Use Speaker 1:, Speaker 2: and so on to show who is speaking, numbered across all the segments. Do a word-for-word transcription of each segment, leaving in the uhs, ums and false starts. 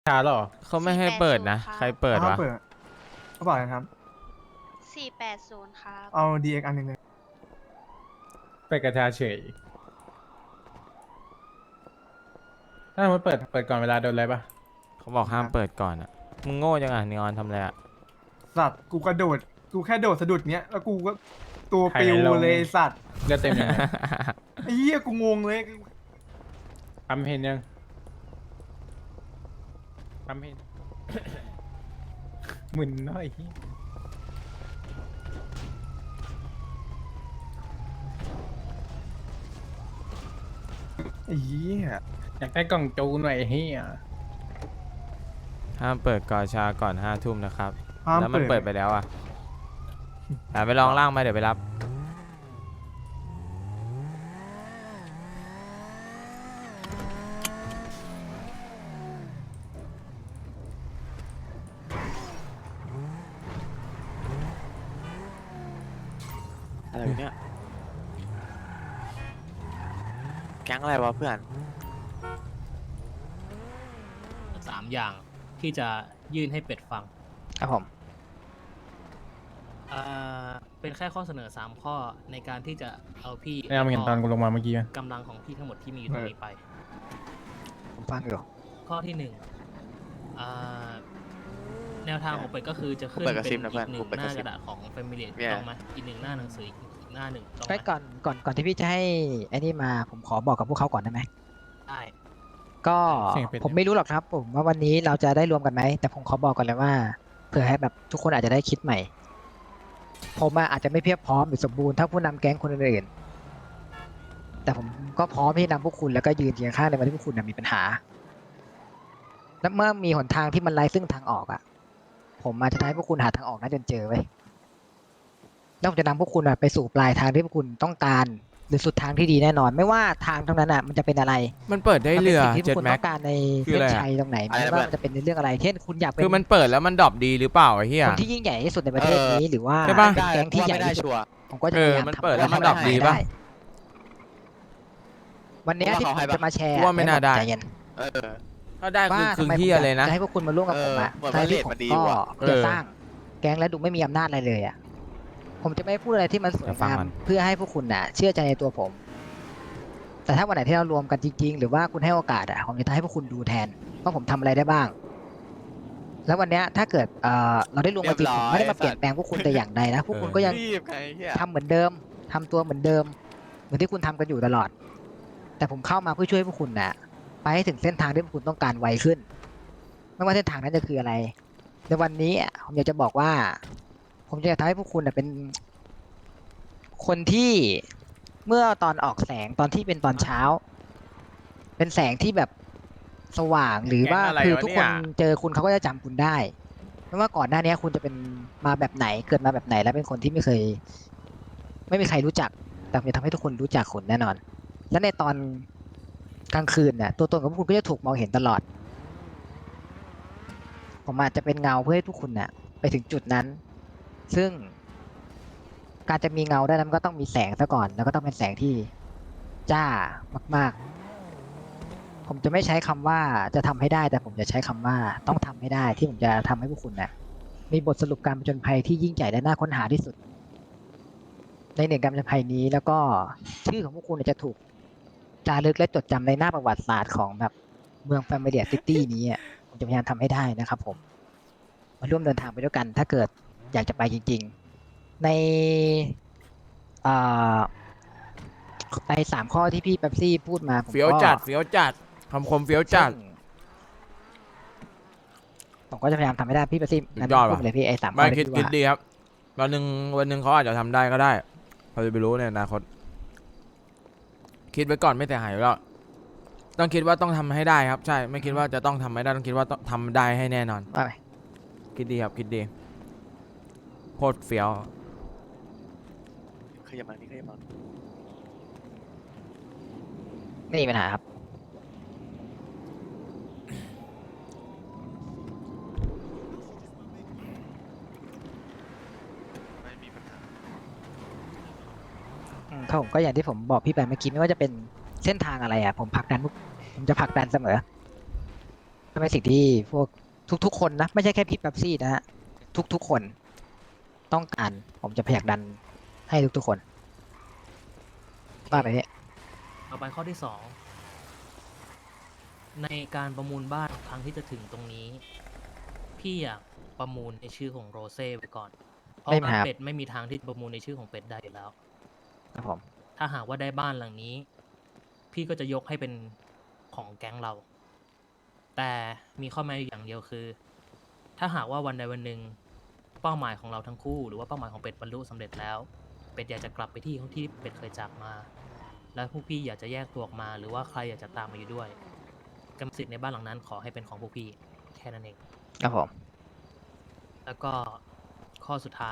Speaker 1: ชาหรอ
Speaker 2: เขาไม่ให้เปิดนะใครเปิดวะ
Speaker 3: เขาเปิดเขาบอกนะครับ
Speaker 4: สี่แปดศูนย์ครับ
Speaker 3: เอาดีเอ็กอันหนึ่งเลย
Speaker 1: ไปกระชาเฉยถ้ามันเปิดเปิดก่อนเวลาโดนอะไรปะ
Speaker 2: เขาบอกห้ามเปิดก่อนอ่ะมึงโง่จังอ่ะนีออนทำอะไรอ่ะ
Speaker 3: สัตว์กูกระโดดกูแค่โดดสะดุดเนี้ยแล้วกูก็ตัวปิวเลยสัตว์
Speaker 1: เลือดเต็มยังไง
Speaker 3: ไอ้เหี้ยกูงงเลย
Speaker 1: ทำเห็นยังทำเห็น มึนน้อยเหี้ย
Speaker 3: ไอ้เหี้ย
Speaker 1: อยากได้กล่องจูหน่อยเฮีย
Speaker 2: ห้ามเปิดกอชาก่อนห้าทุ่มนะครับ
Speaker 3: ห้าม
Speaker 2: แล้วมัน
Speaker 3: เปิ
Speaker 2: เปิ
Speaker 3: ด
Speaker 2: ดไปแล้วอ่ะอ่ะไปลองล่างมาเดี๋ยวไปรับ
Speaker 5: อะไรวะเนี่ยแก๊งอะไรวะเพื่อน
Speaker 6: สามอย่างที่จะยื่นให้เป็ดฟัง
Speaker 7: ครับผม
Speaker 6: อ่าเป็นแค่ข้อเสนอสามข้อในการที่จะเอาพี่
Speaker 1: ไม่เอามาเห็นตอนกูลงมาเมื่อกี้ไหม
Speaker 6: กำลังของพี่ทั้งหมดที่มีอยู่ตรงนี้ไป
Speaker 7: ผมฟังอยู่
Speaker 6: ข้อที่หนึ่งอ่าแนวทางของเป็ดก็คือจะขึ้น
Speaker 5: เปิดก
Speaker 6: เป็
Speaker 5: ระซิบ
Speaker 6: น
Speaker 5: นะ
Speaker 6: อี
Speaker 5: เพื่อน
Speaker 6: กหนึ่
Speaker 5: กู
Speaker 6: ง
Speaker 5: เปิด
Speaker 6: ห
Speaker 5: กระ
Speaker 6: น้า
Speaker 5: ซิ
Speaker 6: ก
Speaker 5: บ
Speaker 6: ระดาษของ Family
Speaker 5: เนี่ย
Speaker 6: ต้องไหมอีกหนึ่งหน้าหนังสืออีกหน้าหนึ่งต้องไห
Speaker 7: ไอ้
Speaker 6: ม
Speaker 7: ก่อนก่อนก่อนที่พี่จะให้ไอ้นี่มาผมขอบอกกับพวกเขาก่อนได้ไหม
Speaker 6: ได้
Speaker 7: ก็ผมไม่รู้หรอกครับ ผมว่าวันนี้เราจะได้รวมกันไหมแต่ผมขอบอกก่อนเลยว่าเผื่อให้แบบทุกคนอาจจะได้คิดใหม่ ผมอะอาจจะไม่เพียบพร้อมหรือสมบูรณ์เท่าผู้นำแก๊งคนอื่นๆแต่ผมก็พร้อมที่จะนำพวกคุณแล้วก็ยืนเคียงข้างในวันที่พวกคุณน่ะมีปัญหา และเมื่อมีหนทางที่มันไร้ซึ่งทางออกอะผมมาจะทำให้พวกคุณหาทางออกนั้นจนเจอไว้ยแล้วผมจะนำพวกคุณอะไปสู่ปลายทางที่พวกคุณต้องการ หรือสุดทางที่ดีแน่นอน ไม่ว่าทางตรงนั้นอ่ะมันจะเป็นอะไร
Speaker 2: มันเปิดได้เรือ
Speaker 7: มันป็นสิ่งที่พ
Speaker 2: เจ็
Speaker 7: ว
Speaker 2: ด
Speaker 7: กคุณ
Speaker 2: แม็
Speaker 7: ต้
Speaker 2: ก
Speaker 7: องการใน
Speaker 2: คือ
Speaker 7: เส้
Speaker 2: อะไร
Speaker 7: น
Speaker 2: อะ
Speaker 7: ชัยตรงไหน
Speaker 5: อะไร
Speaker 7: ไม่
Speaker 5: นะ
Speaker 7: ว่ามันจะเป็นในเรื่องอะไรเช่นคุณอยากเป็น
Speaker 2: คือมันเปิดแล้วมันดรอปดีหรือเปล่าไอ้เหี้ย
Speaker 7: คนที่ยิ่งใหญ่ที่สุดในประเทศนี้หรือว่า
Speaker 2: ใช่ปะ
Speaker 7: เป็นแก๊งที่ใหญ่
Speaker 5: ไม่ได้
Speaker 7: ที่สุด
Speaker 5: ชัวร์
Speaker 7: ผมก็จะ
Speaker 2: เอ
Speaker 7: พ
Speaker 2: อย
Speaker 7: ายาม
Speaker 2: มัน
Speaker 7: ทำ
Speaker 2: เปิดแล้วมัน
Speaker 7: ให้
Speaker 2: ดรอปดีปะ
Speaker 7: ได้วันเนี้ยที่
Speaker 5: ว่า
Speaker 7: ผม
Speaker 5: เขาให้ปะ
Speaker 7: จะมาแชร์
Speaker 2: ว่าไม่น่าได้
Speaker 7: ใจเย็น
Speaker 5: เออ
Speaker 2: ถ้าได้คือ
Speaker 7: ว่า
Speaker 2: คือ
Speaker 7: ทำไมผม
Speaker 2: เหี้ยเลยนะ
Speaker 7: จะให้พวกคุณมาร่วมกับผมอะ
Speaker 5: เออ
Speaker 7: ท้ายที่ผม
Speaker 5: มันดี
Speaker 7: ก็
Speaker 5: ว่ะ
Speaker 7: จะ
Speaker 2: เออ
Speaker 7: สร้างแก๊งและดูไม่มีอำนาจอะไรเลยอ่ะผมจะไม่พูดอะไรที่มันสวย
Speaker 2: เดี๋ยวฟัง
Speaker 7: งาม
Speaker 2: มัน
Speaker 7: เพื่อให้พวกคุณน่ะ เชื่อใจในตัวผม แต่ถ้าวันไหนที่เรารวมกันจริง ๆ หรือว่าคุณให้โอกาสอ่ะผมจะให้พวกคุณดูแทนว่าผมทำอะไรได้บ้าง แล้ววันเนี้ยถ้าเกิดเอ่อเราได้รวมกันจริง
Speaker 5: เรี
Speaker 7: ผ
Speaker 5: ยบร้อย
Speaker 7: มไม่ได้มาเปลี่ยนแปลงพวกคุณแต่อย่างใดนะพวกคุณก็ยัง
Speaker 5: รีบไงเฮีย
Speaker 7: ทำเหมือนเดิมทำตัวเหมือนเดิม เหมือนที่คุณทำกันอยู่ตลอด แต่ผมเข้ามาเพื่อช่วยพวกคุณน่ะ ไปให้ถึงเส้นทางที่พวกคุณต้องการไวขึ้น ไม่ว่าเส้นทางนั้นจะคืออะไร ในวันนี้อ่ะผมอยากจะบอกว่า ผมจะทำให้พวกคุณน่ะเป็น คนที่เมื่อตอนออกแสงตอนที่เป็นตอนเช้า เป็นแสงที่แบบสว่างหรือว่า
Speaker 2: แก๊งอะไร
Speaker 7: คือ
Speaker 2: วะ
Speaker 7: ทุกคน
Speaker 2: เนี่ย
Speaker 7: เจอคุณเขาก็จะจำคุณได้ไม่ว่าก่อนหน้านี้คุณจะเป็นมาแบบไหนเกิดมาแบบไหนแล้วเป็นคนที่ไม่เคย ไม่มีใครรู้จัก แต่ผมจะทำให้ทุกคนรู้จักคุณแน่นอน และในตอนกลางคืนเนี่ยตัวตนของพวกคุณก็จะถูกมองเห็นตลอด ผมอาจจะเป็นเงาเพื่อให้ทุกคุณเนี่ยไปถึงจุดนั้น ซึ่งการจะมีเงาได้นั้นมันก็ต้องมีแสงซะก่อน แล้วก็ต้องเป็นแสงที่จ้ามากๆ ผมจะไม่ใช้คำว่าจะทำให้ได้ แต่ผมจะใช้คำว่าต้องทำให้ได้ ที่ผมจะทำให้พวกคุณเนี่ยมีบทสรุปการผจญภัยที่ยิ่งใหญ่และน่าค้นหาที่สุด ในหนึ่งการผจญภัยนี้แล้วก็ชื่อของพวกคุณเนี่ยจะถูกจารึกและจดจำในหน้าประวัติศาสตร์ของแบบเมืองแฟมิเลียซิตี้นี้อะผมจะพยายามทำให้ได้นะครับผมมาร่วมเดินทางไปด้วยกัน ถ้าเกิดอยากจะไปจริง ๆ ในอ่าในสามข้อที่พี่เป๊ปซี่พูดมาผมก็
Speaker 2: เฟี้ยวจัดเฟี้ยวจัดคำคมเฟี้ยวจัด
Speaker 7: ซึ่งผมก็จะพยายามทำให้ได้พี่เป๊ปซี่
Speaker 2: สุดยอด
Speaker 7: พู
Speaker 2: ว่ะ
Speaker 7: ดเลยพี่ไอ้สามข้
Speaker 2: ไม่
Speaker 7: อที่
Speaker 2: คิด
Speaker 7: พี่
Speaker 2: คิด
Speaker 7: ว่า
Speaker 2: ดีครับวันหนึ่งวันหนึ่งเขาอาจจะทำได้ก็ได้เราจะไปรู้ในอนาคตคิดไว้ก่อนไม่เสียหายอยู่แล้วต้องคิดว่าต้องทำให้ได้ครับ ใช่ไม่คิดว่าจะต้องทำไม่ได้ต้องคิดว่าต้องทำได้ให้แน่นอน
Speaker 7: ว่าไป
Speaker 2: คิดดีครับคิดดีโคตรเฟี้ยว
Speaker 5: ขยับมานี่ขยับมา
Speaker 7: ไม่มีปัญหาครับ
Speaker 5: ไม่มีปัญหา
Speaker 7: อืมครับผมก็อย่างที่ผมบอกพี่ไปเมื่อกี้ไม่ว่าจะเป็นเส้นทางอะไรอ่ะผมผลักดันพวกผมจะผลักดันเสมอก็เป็นสิ่งที่พวกทุกๆคนนะ ไม่ใช่แค่พี่แป๊บซี่นะฮะ ทุกๆคนต้องการ ผมจะพยายามดันให้ทุกๆคนว่าไปเนี่ย
Speaker 6: ต่อไปข้อที่สองในการประมูลบ้านครั้งที่จะถึงตรงนี้ พี่อยากประมูลในชื่อของโรเซ่ไว้ก่อน เพราะ
Speaker 7: ไม่
Speaker 6: ว่า
Speaker 7: ครับ
Speaker 6: เป็ดไม่มีทางที่จะประมูลในชื่อของเป็ดได้อยู่แล้ว
Speaker 7: ครับผม
Speaker 6: ถ้าหากว่าได้บ้านหลังนี้ พี่ก็จะยกให้เป็นของแก๊งเรา แต่มีข้อแม้อยู่อย่างเดียวคือ ถ้าหากว่าวันใดวันหนึ่งเป้าหมายของเราทั้งคู่ หรือว่าเป้าหมายของเป็ดบรรลุสำเร็จแล้ว เป็ดอยากจะกลับไปที่ที่เป็ดเคยจากมา แล้วพวกพี่อยากจะแยกตัวออกมา หรือว่าใครอยากจะตามมาอยู่ด้วยกรรมสิทธิ์ในบ้านหลังนั้นขอให้เป็นของพวกพี่แค่นั้นเอง
Speaker 7: ครับผม
Speaker 6: แล้วก็ข้อสุดท้าย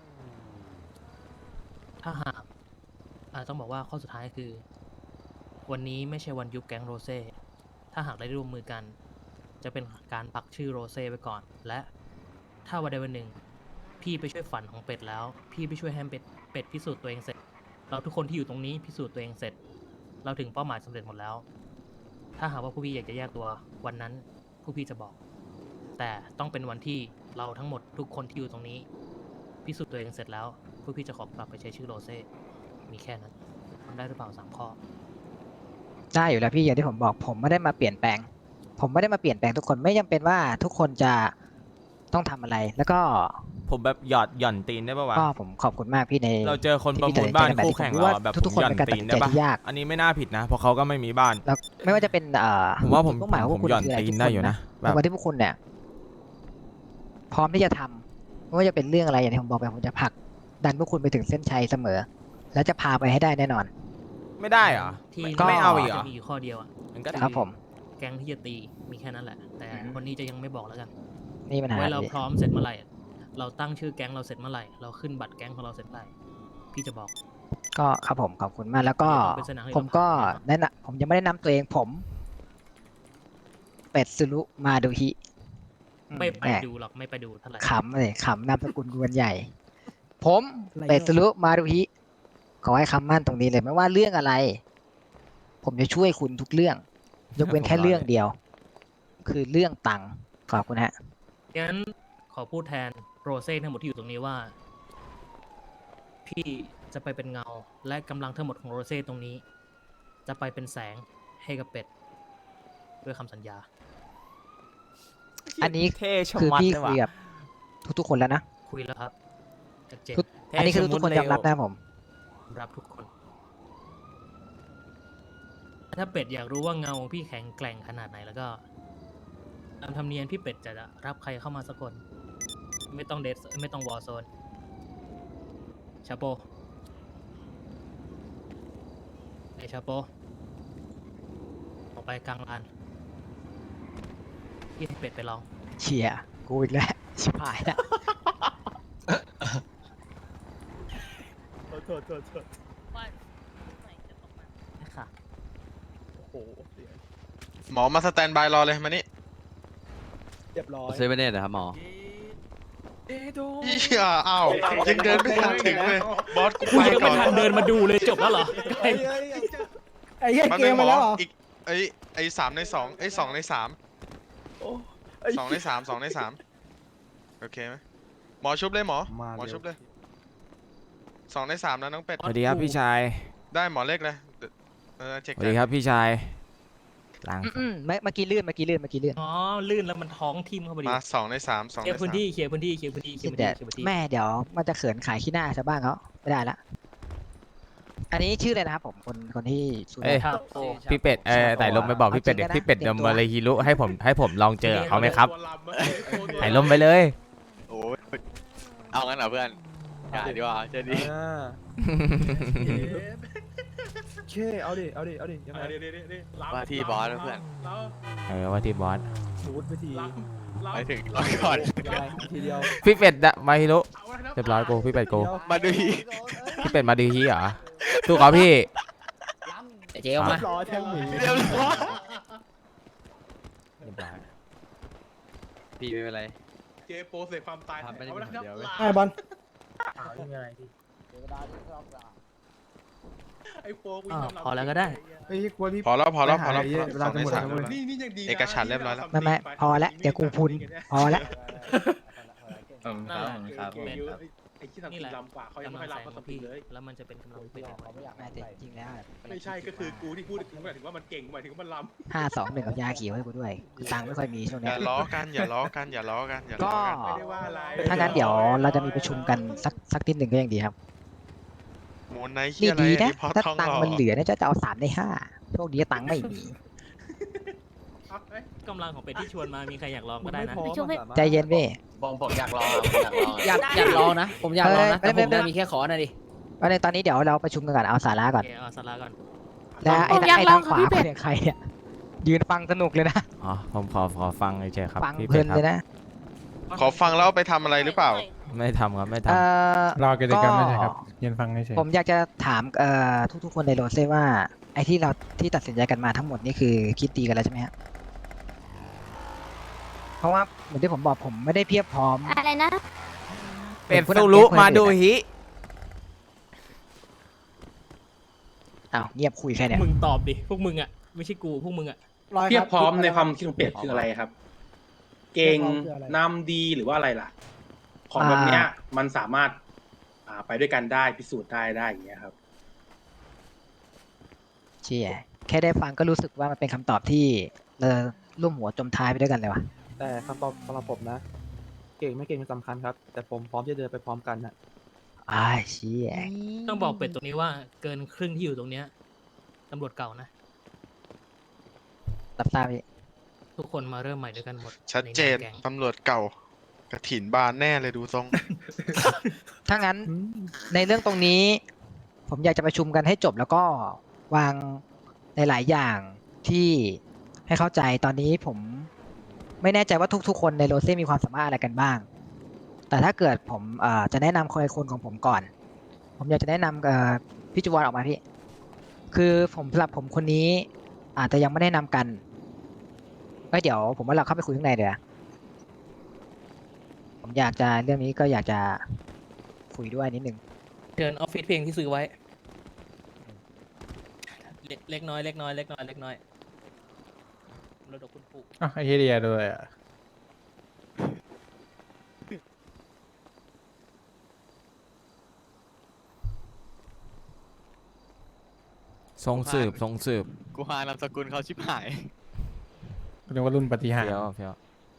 Speaker 6: ถ้าหากอ่าต้องบอกว่าข้อสุดท้ายคือ วันนี้ไม่ใช่วันยุบแก๊งโรเซ่ ถ้าหากได้ร่วมมือกัน จะเป็นการปักชื่อโรเซ่ไว้ก่อน และถ้าวันใดวันหนึ่ง พี่ไปช่วยฝันของเป็ดแล้ว พี่ไปช่วยให้เป็ดเป็ดพิสูจน์ตัวเองเสร็จ เราทุกคนที่อยู่ตรงนี้พิสูจน์ตัวเองเสร็จ เราถึงเป้าหมายสำเร็จหมดแล้ว ถ้าหากว่าผู้พี่อยากจะแยกตัววันนั้นผู้พี่จะบอก แต่ต้องเป็นวันที่เราทั้งหมดทุกคนที่อยู่ตรงนี้ พิสูจน์ตัวเองเสร็จแล้วผู้พี่จะขอกลับไปใช้ชื่อโรเซ่ มีแค่นั้นทำได้หรือเปล่าสามข้อ
Speaker 7: ได้อยู่แล้วพี่อย่างที่ผมบอก ผมไม่ได้มาเปลี่ยนแปลง ผมไม่ได้มาเปลี่ยนแปลงทุกคน ไม่จำเป็นว่าทุกคนจะต้องทำอะไร แล้วก็
Speaker 2: ผมแบบหยอดหย่อนตีนได้ปะวะ
Speaker 7: ก็ผมขอบคุณมากพี่ใน
Speaker 2: เราเจอคน
Speaker 7: ที่
Speaker 2: ประ
Speaker 7: พี่
Speaker 2: มูล
Speaker 7: ตัดสินใจ
Speaker 2: บ้าน
Speaker 7: แบบ
Speaker 2: คู่
Speaker 7: นี้
Speaker 2: แข่ง
Speaker 7: ผมรู้
Speaker 2: เรา
Speaker 7: ว่า
Speaker 2: อะแบบ
Speaker 7: ทุกๆคน
Speaker 2: หย่อน
Speaker 7: เป็นการ
Speaker 2: ตีน
Speaker 7: ตัดสินใจ
Speaker 2: ได้ปะ
Speaker 7: ที่ยาก
Speaker 2: อันนี้ไม่น่าผิดนะเพราะเขาก็ไม่มีบ้าน
Speaker 7: แล้วไม่ว่าจะเป็นเอ่อ
Speaker 2: ผมว่าผม
Speaker 7: จุดมุ่งหมายของพ
Speaker 2: ผ
Speaker 7: วก
Speaker 2: ม
Speaker 7: คุณ
Speaker 2: หย่อน
Speaker 7: คืออะไร
Speaker 2: ตีน
Speaker 7: ทุก
Speaker 2: ได้
Speaker 7: คน
Speaker 2: อยู่นะ
Speaker 7: นะ
Speaker 2: แบบ
Speaker 7: วันที่พวกคุณเนี่ย พร้อมที่จะทำไม่ว่าจะเป็นเรื่องอะไรอย่างที่ผมบอกไปผมจะผลักดันพวกคุณไปถึงเส้นชัยเสมอ และจะพาไปให้ได้แน่นอน
Speaker 2: ไม่ได้เหรอ
Speaker 6: ที่
Speaker 7: ก็
Speaker 2: ไม่เอาอีกเหรอ
Speaker 6: จะมีอยู่ข้อเดียวอะ
Speaker 2: มันก็
Speaker 7: ครับผม
Speaker 6: แก๊งที่จะตีมีแค่นั้นแหละ แต่คนนี้จะยังไม่บอกแล้วกัน
Speaker 7: นี่ปัญหา
Speaker 6: ไว้เรา
Speaker 7: พี่
Speaker 6: พร้อมเสร็จเมื่อไหร่ เราตั้งชื่อแก๊งเราเสร็จเมื่อไหร่ เราขึ้นบัตรแก๊งของเราเสร็จเมื่อไหร่พี่จะบอก
Speaker 7: ก็ครับผมขอบคุณมาก แล้วก็
Speaker 6: เดี๋ยวต้องเป็นสนามให้
Speaker 7: ผมก็
Speaker 6: เราผ่าน
Speaker 7: แนะนำผมยังไม่ได้นำตัวเองผม เป็ดสุรุมาดูฮิ
Speaker 6: ไม่ไป
Speaker 7: แหม
Speaker 6: ดูหรอกไม่ไปดูเท่าไหร่
Speaker 7: ขำเลยขำนามสกุลกวนใหญ่ ผมเป็ดสุรุมาดูฮิขอให้คำมั่นตรงนี้เลยไม่ว่าเรื่องอะไร ผมจะช่วยคุณทุกเรื่อง ยกเว้นแค่เรื่องเดียว คือเรื่องตังค์ขอบคุณฮะ
Speaker 6: งั้นขอพูดแทนโรเซ่ทั้งหมดที่อยู่ตรงนี้ว่า พี่จะไปเป็นเงาและกำลังทั้งหมดของโรเซ่ตรงนี้ จะไปเป็นแสงให้กับเป็ดด้วยคำสัญญา
Speaker 7: อันนี้
Speaker 2: เท่ชะ
Speaker 7: คือ
Speaker 2: มัด
Speaker 7: พี่
Speaker 2: เลย
Speaker 7: คุ
Speaker 2: ว่ะ
Speaker 7: ยกับทุกๆคนแล้วนะ
Speaker 6: คุยแล้วครับชัดเจน
Speaker 7: ทุก อันนี้คือทุกคนยอมรับนะผม
Speaker 6: รับทุกคน ถ้าเป็ดอยากรู้ว่าเงาพี่แข็งแกร่งขนาดไหนแล้วก็ตามธรรมเนียมพี่เป็ดจะรับใครเข้ามาสักคน ไม่ต้องเดทไม่ต้องวอร์โซนชาโปไอชาโปออกไปกลางลานพี่ให้เป็ดไปลอง
Speaker 7: เชียร์กูอีกแล้ว ชิบหายแล้ว
Speaker 6: ค่ะ
Speaker 8: หมอมาสแตนบายรอเลยมานี่
Speaker 5: เซเว่นเอ็ดนะครับหมอ
Speaker 8: เหี้ยอ้าวยังเดินไม่ทันถึงเลยบอสกู
Speaker 6: คุณ
Speaker 8: ไป
Speaker 6: ยัง
Speaker 8: ก่
Speaker 6: ไม่
Speaker 8: อน
Speaker 6: ทันเดินมาดูเลยจบแล้วเหรอ
Speaker 3: ไอ้เหี้ย
Speaker 8: มัน
Speaker 3: เก
Speaker 8: เป็น
Speaker 3: ม
Speaker 8: หม
Speaker 3: มา
Speaker 8: อ
Speaker 3: แล้วเหรอ
Speaker 8: อีกไอ้ไอ้สามในสองไอ้สองในสามสองในสามสองในสามโอเคไหมหมอชุบเลยหมอหมอชุบเลยสองในสามแล้วน้องเป็ด
Speaker 2: สวัสดีครับพี่ชาย
Speaker 8: ได้หมอเล็กเลยเออเช็ค
Speaker 2: สวัสดีครับพี่ชายล้าง
Speaker 7: อืมๆเมื่อเมื่อกี้ลื่นเมื่อกี้ลื่นเมื่อกี้ลื่น
Speaker 6: อ๋อ ลื่นแล้วมันท้องทิ่มเข้าไปดิ
Speaker 8: มาสองในสามสอง
Speaker 6: เค
Speaker 8: ใน
Speaker 6: ลียร์พื้น
Speaker 8: สาม
Speaker 6: ที่เคลียร์พื้นที่เคลียร์พื้นที่เคลียร์พื้น
Speaker 7: แต่
Speaker 6: ที่เคลียร์พื้นที่
Speaker 7: แม่เดี๋ยวมันจะเขินขายขี้หน้าชาวบ้านเขาไม่ได้ละ อันนี้ชื่ออะไรนะครับผมคนคนที่ชู
Speaker 2: เอ้ย
Speaker 6: ครับ
Speaker 2: พี่เป็ดเออไต่ลมไปบอกพี่เป็ดเดี๋ยวพี่เป็ดเดี๋ยวมาเลยฮิรุให้ผมให้ผมลองเจอเขาไหมครับไต่ลมไปเลย
Speaker 5: โอ้ยเอางั้นเหรอเพื่อนอย่าดีกว่าเจดี
Speaker 3: เคเอาดิ เอาดิ เอาดิยังไง
Speaker 5: ว่าที่บอสนะเพื่อน
Speaker 2: เออว่าที่บอส
Speaker 3: สูดไปที
Speaker 5: ไปถึงรอก่อน
Speaker 3: ทีเดียว
Speaker 2: พี่เป็ดดะมาฮิรุเรียบร้อยกูพี่เป็ดกู
Speaker 5: มาดูอีก
Speaker 2: พี่เป็ดมาดีฮีเหรอสู้เขาพี่
Speaker 6: เจ๊ออกมา
Speaker 3: รอแทงหมี
Speaker 5: เรียบร้อย
Speaker 2: เรียบร้อย
Speaker 5: พี่ไม่เป็นไร
Speaker 8: เจโปเสกความตาย
Speaker 5: ทำไม่ได้คนเดียวเว้ย
Speaker 3: ไอ้บอล
Speaker 6: อ๋อพอแล้วก็ได้
Speaker 3: เฮ้ยกูว่ารีบ
Speaker 8: พอแล้วพอแล้วพอแล้ว
Speaker 3: ไปหาไอ้เวลา
Speaker 8: สอง
Speaker 3: จะ
Speaker 8: ใน
Speaker 3: หมด
Speaker 8: สาม
Speaker 3: แล้วเว้ย
Speaker 1: นี่นี่ยังดีนะ
Speaker 8: เอกฉันท์เรียบร้อยแล้ว
Speaker 7: ไม่ไม่พอแล้วเดี๋ยวกูพุนพอแล้ว
Speaker 6: นั่นแหละ
Speaker 1: ครับ
Speaker 6: เป็น
Speaker 1: ไอ้ที่ทำ
Speaker 6: นี่
Speaker 1: กิ
Speaker 6: แหละ
Speaker 1: นลำกว่าเขายัง
Speaker 6: กำ
Speaker 1: ไม่
Speaker 6: ลั
Speaker 1: ค่
Speaker 6: ง
Speaker 1: อย
Speaker 6: แส
Speaker 1: รับ
Speaker 6: ง
Speaker 1: เขา
Speaker 6: ของ
Speaker 1: สักที
Speaker 6: พี่
Speaker 1: เลย
Speaker 6: แล้วมันจะเป็นกำลังเป็นของมัน
Speaker 7: ไม่แต่จริงๆแล้ว
Speaker 1: ไม่ใช่ก็คือกูที่พูดหมายถึงว่ามันเก่งหมายถึงว่ามันลำ
Speaker 7: ห้าสองหนึ่งกับยาเขียวให้กูด้วยตังค์ไม่ค่อยมีช่วง
Speaker 8: อ
Speaker 7: เนี้
Speaker 8: ย่าย ล้อกันอย่าล้อกันอย่าล้อกันอย่า
Speaker 7: ก็
Speaker 8: ล้อกัน
Speaker 1: ไม่ได้ว่าอะไร
Speaker 7: ถ้างั้นเดี๋ยวเราจะมีประชุมกันสักสักนิดหนึ่งก็ยังดีครับ
Speaker 8: โมนไนท์เฮี
Speaker 7: นี่
Speaker 8: ยอะไร
Speaker 7: ดี
Speaker 8: อัน
Speaker 7: นะ
Speaker 8: นี้พอ
Speaker 7: ถ้า
Speaker 8: ท้อง
Speaker 7: ตัง
Speaker 8: หล่
Speaker 7: ค์
Speaker 8: อ
Speaker 7: มันเหลือเนี่ยจะจะเอาสามในห้าโชคดีตังค์ไม่มี
Speaker 1: เอาเอ้ย
Speaker 6: กำลังของเป็ดที่ชวนมามีใครอยากลองก็ได้นะ
Speaker 7: ใจเย็นเว้ย
Speaker 9: ผมผมอยากลองอะผมอยากลองอะอยากอยากลองนะ ผมอยากลองนะ
Speaker 7: เอ้
Speaker 9: แต่
Speaker 7: ย
Speaker 9: ผม
Speaker 7: ไม่
Speaker 9: จะ
Speaker 7: ไม่
Speaker 9: มีแค่ขอหน่อยดิ
Speaker 7: วันนี้ตอนนี้เดี๋ยวเราประชุมกันก่อนเอาสาระ
Speaker 6: โอ
Speaker 7: ก่อน
Speaker 6: เคเอาสาระก่อน
Speaker 7: แล้วไอ้
Speaker 10: ผมอยาก
Speaker 7: ไอ้
Speaker 10: ลอ
Speaker 7: ทาง งขวา
Speaker 10: ค่ะพี่เป็ด
Speaker 7: เป็นใครเนี่ยยืนฟังสนุกเลยนะ
Speaker 2: อ๋อผมขอขอฟังเฉยๆครับ
Speaker 7: ฟัง
Speaker 2: พี่
Speaker 7: เพลิ
Speaker 2: เป็ด
Speaker 7: น
Speaker 2: ครั
Speaker 7: เล
Speaker 2: บ
Speaker 7: ยนะ
Speaker 8: ขอฟังแล้วเอาไปทำอะไรหรือเปล่า
Speaker 2: ไม่ทำครับไม่ท
Speaker 7: เอ่อ
Speaker 1: รอกิจกรรมไม่ใช่ครับ
Speaker 7: ก็
Speaker 1: ยืนฟังเฉย
Speaker 7: ผมอยากจะถามเอ่อทุกๆคนในโรเซ่ว่าไอ้ที่เราที่ตัดสินใจกันมาทั้งหมดนี่คือคิดดีกันแล้วใช่ไหมฮะเพราะว่าเหมือนที่ผมบอกผมไม่ได้เพียบพร้อม
Speaker 10: อะไรนะ
Speaker 2: ำเป็ดสุรุมาดูฮิ
Speaker 7: อ้าวเงียบคุยแค่เนี้ย
Speaker 6: มึงตอบดิ พวกมึงอ่ะ ไม่ใช่กู พวกมึงอ่ะ
Speaker 11: เพียบพร้อมในความคิดของเป็ดคืออะไรครับ เก่งนำดีหรือว่าอะไรล่ะ ของแบบเนี้ยมันสามารถอ่าไปด้วยกันได้พิสูจน์ได้ได้อย่างเงี้ยครับ
Speaker 7: เชี่ยแค่ได้ฟังก็รู้สึกว่ามันเป็นคำตอบที่เออร่วมหัวจมท้ายไปด้วยกันเลยว่ะ
Speaker 12: แต่คำตอบสำหรับผมนะ เก่งไม่เก่งเป็นสำคัญครับ แต่ผมพร้อมที่จะเดินไปพร้อมกันนะ
Speaker 7: อ้ายเชี่ย
Speaker 6: ต้องบอกเป็ดตรงนี้ว่าเกินครึ่งที่อยู่ตรงเนี้ยตำรวจเก่านะ
Speaker 7: รับทราบพี่
Speaker 6: ทุกคนมาเริ่มใหม่ด้วยกันหมด
Speaker 8: ชัดเจน
Speaker 6: ใงานแก๊ง
Speaker 8: ตำรวจเก่ากระถินบานแน่เลยดูทรง
Speaker 7: ถ้างั้นในเรื่องตรงนี้ ผมอยากจะประชุมกันให้จบแล้วก็วางในหลายอย่างที่ให้เข้าใจตอนนี้ผมไม่แน่ใจว่าทุกๆคนในโรเซ่มีความสามารถอะไรกันบ้าง แต่ถ้าเกิดผมเอ่อจะแนะนำคนคนของผมก่อน ผมอยากจะแนะนำเอ่อพี่จุวรออกมาพี่ คือผมสำหรับผมคนนี้ อาจจะยังไม่ได้นำกันก็เดี๋ยวผมว่าเราเข้าไปคุยข้างในเดี๋ยวาผมอยากจะเรื่องนี้ก็อยากจะคุยด้วยนิดนึง
Speaker 6: เชิญออฟฟิศเพลงที่ซื้อไว้ เล็กเล็กน้อยเล็กน้อยเล็กน้อยเล็กน้อยรถดอกคุณปู่
Speaker 1: ๆอ้าวไอ้เฮียเดียด้วยอ่ะ
Speaker 2: ทรงสืบทรงสืบ
Speaker 5: กูหานามสกุลเขาชิบหาย
Speaker 1: เรียกว่ารุ่นปฏิหาร
Speaker 2: เพียวเพียว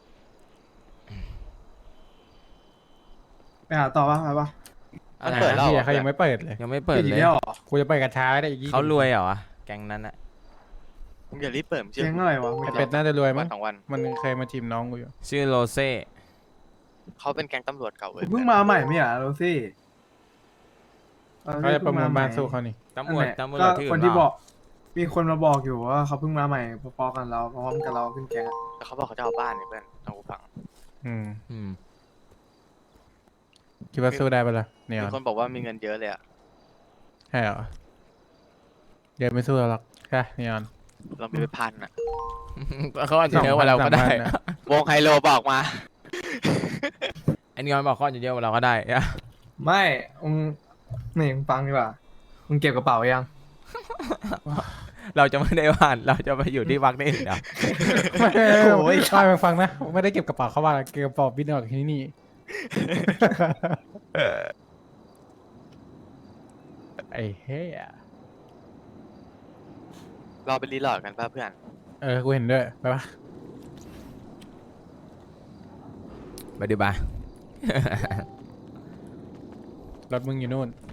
Speaker 3: ไปหาต่อป่ะไปป่ะ
Speaker 5: มันเปิดแล้ว
Speaker 1: เฮี
Speaker 5: เหร
Speaker 1: ย
Speaker 5: อ
Speaker 1: เขายังไม่เปิดเลย
Speaker 2: ยังไม่เปิด
Speaker 3: อีก
Speaker 2: เลย
Speaker 3: แล้วเหรอ
Speaker 1: กูจะไปกับช้าได้อีกยี่สิบ
Speaker 2: เขารวยเหรอวะแก๊งนั้นอะ
Speaker 5: มึงอย่ารีบเปิดมึงเชื่อ
Speaker 3: เจ๊งอะไรวะ
Speaker 1: ไอ้เป็ดน่าจะรวย
Speaker 5: วั
Speaker 1: มั้
Speaker 5: น
Speaker 1: ง
Speaker 5: สองวัน
Speaker 1: มันเคยมาจีบน้องกูอยู่
Speaker 2: ชื่อโรเซ่
Speaker 5: เขาเป็นแก๊งตำรวจเก่าเว้ย
Speaker 3: เพิ่งมาใหม่ไม่เหรอโรซี่
Speaker 1: เขาจะประมูลบ้านสู้เขานี่
Speaker 2: ตำรวจ
Speaker 3: นั่นแหละ
Speaker 2: ตำรวจ
Speaker 3: ก็
Speaker 2: ที่
Speaker 3: ค
Speaker 2: อื่
Speaker 3: น
Speaker 2: น
Speaker 3: ที่
Speaker 2: เป
Speaker 3: บอ
Speaker 2: ล่าก
Speaker 3: มีคนมาบอกอยู่ว่าเขาเพิ่งมาใหม่พอๆกันเราพร้อมกันเราขึ้นแก๊งอะ
Speaker 5: แต่เขาบอกเขาจะเอาบ้านเนี่ยเพื่อนเอากูฟัง
Speaker 1: อืม
Speaker 2: อืม
Speaker 1: คิดว่าสู้ได้ปะล่ะเนี่ย
Speaker 5: มีคนบอกว่ามีเงินเยอะเลยอะ
Speaker 1: ใช่เหรอเดี๋ยวไม่สู้เราหรอกใช่นีออน
Speaker 5: เรามีไปพันอะ
Speaker 2: เขาอาจจะเยอะกว่าเราก็ได้
Speaker 1: สองพันสามพันน่ะ
Speaker 5: วงไฮโลบอกมา
Speaker 2: ไอ้นี่มันบอกเขาอาจจะเยอะกว่าเราก็ได้อะ
Speaker 3: ไม่มึงนี่มึงฟังดีกว่ามึงเก็บกระเป๋ายัง
Speaker 2: เราจะไม่ได้ว่านเราจะไปอยู่ที่วักได้เดี๋ยว
Speaker 1: ไม่ไม่ไม่
Speaker 3: โอ้ย
Speaker 1: ไม่ไม่ฟังนะผมไม่ได้เก็บกระเป๋าเข้าบ้านเก็บกระเป๋าบินออกที่นี่ ไอ้เหี้ย
Speaker 5: เราไปรีโหลดกันป่ะเพื่อน
Speaker 1: เออกูเห็นด้วยไปปะ
Speaker 2: ไปดูบ้าร
Speaker 1: ถมึงอยู่นู่น